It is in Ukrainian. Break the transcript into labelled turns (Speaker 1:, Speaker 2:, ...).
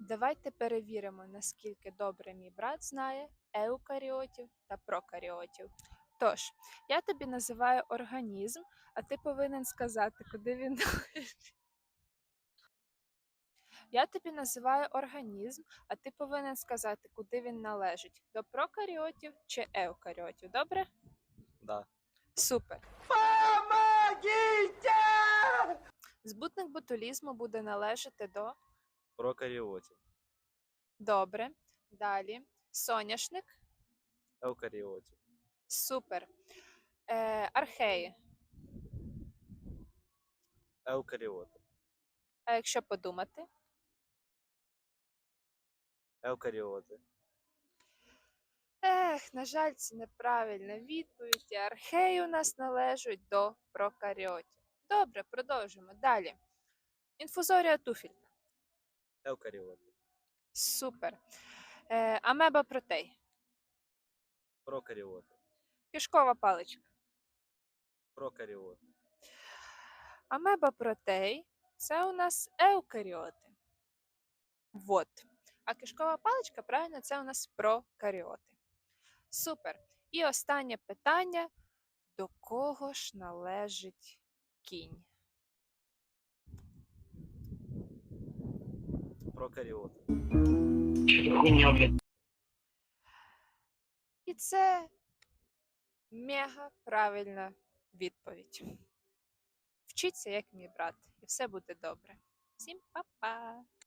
Speaker 1: Давайте перевіримо, наскільки добре мій брат знає еукаріотів та прокаріотів. Тож, я тобі називаю організм, а ти повинен сказати, куди він належить. Я тобі називаю організм, а ти повинен сказати, куди він належить: до прокаріотів чи еукаріотів. Добре?
Speaker 2: Да.
Speaker 1: Супер.
Speaker 2: Помогите!
Speaker 1: Збутник ботулізму буде належати до.
Speaker 2: Прокаріотів.
Speaker 1: Добре. Далі. Соняшник.
Speaker 2: Еукаріотів.
Speaker 1: Супер. Археї.
Speaker 2: Еукаріоти.
Speaker 1: А якщо подумати?
Speaker 2: Еукаріоти.
Speaker 1: На жаль, це неправильна відповідь. Археї у нас належать до прокаріотів. Добре, продовжимо. Далі. Інфузорія туфілька.
Speaker 2: Еукаріоти.
Speaker 1: Супер. Амеба протей.
Speaker 2: Прокаріоти.
Speaker 1: Кишкова паличка.
Speaker 2: Прокаріоти.
Speaker 1: Амеба протей це у нас еукаріоти. Вот. А кишкова паличка, правильно, це у нас прокаріоти. Супер. І останнє питання. До кого ж належить кінь?
Speaker 2: Прокаріоти.
Speaker 1: І це мега правильна відповідь. Вчіться, як мій брат, і все буде добре. Всім па-па!